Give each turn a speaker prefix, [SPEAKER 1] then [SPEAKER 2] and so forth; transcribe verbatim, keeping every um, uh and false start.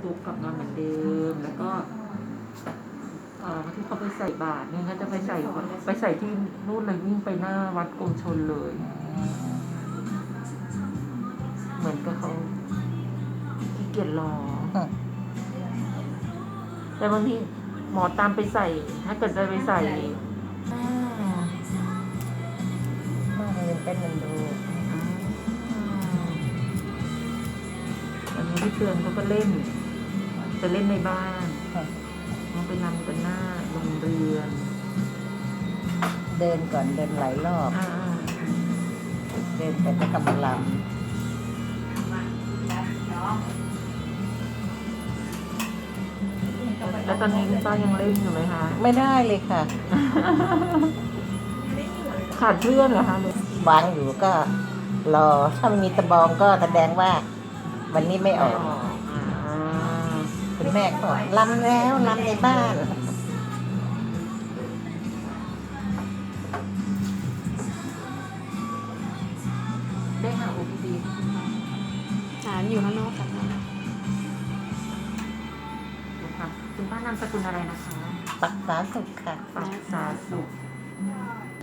[SPEAKER 1] ตุกกลับมาเหมือนเดิม แล้วก็เอ่อที่เขาไปใส่บาตรเนี่ยเขาจะไปใส่ไปใส่ที่นู่นเลยวิ่งไปหน้าวัดกรมชลเลย เหมือนกับเขาขี้เกียจรอ แต่บางทีหมอตามไปใส่ ถ้าเกิดจะไปใส่
[SPEAKER 2] มาเรียนเต้นมันดู
[SPEAKER 1] วันนี้พี่เตือนเขาก็เล่น จะเล่นในบ้านเขาไปรำกันหน้าโรงเรียน
[SPEAKER 2] เดินก่อนเดินหลายรอบ
[SPEAKER 1] อ่า
[SPEAKER 2] เดินแต่ก็กำลังลำ
[SPEAKER 1] แล้วตอนนี้คุณป้ายังเล่นอยู่ไหมคะ
[SPEAKER 2] ไม่ได้เลยค่ะ
[SPEAKER 1] ขาดเพื่อนเหรอคะหรือ
[SPEAKER 2] วางอยู่ก็รอ ถ้ามันมีตะบองก็แสดงว่า วันนี้ไม่ออก
[SPEAKER 1] อ่า
[SPEAKER 2] คุณแม่ก็บอกลำแล้วลำในบ้าน
[SPEAKER 1] ได้หาโอพีดี
[SPEAKER 3] หาอยู่ข้างนอกค่ะ
[SPEAKER 1] ค่ะคุณป้านามสกุลอะไรนะคะ
[SPEAKER 2] ปักษาสุขค่ะ
[SPEAKER 1] ปักษาสุข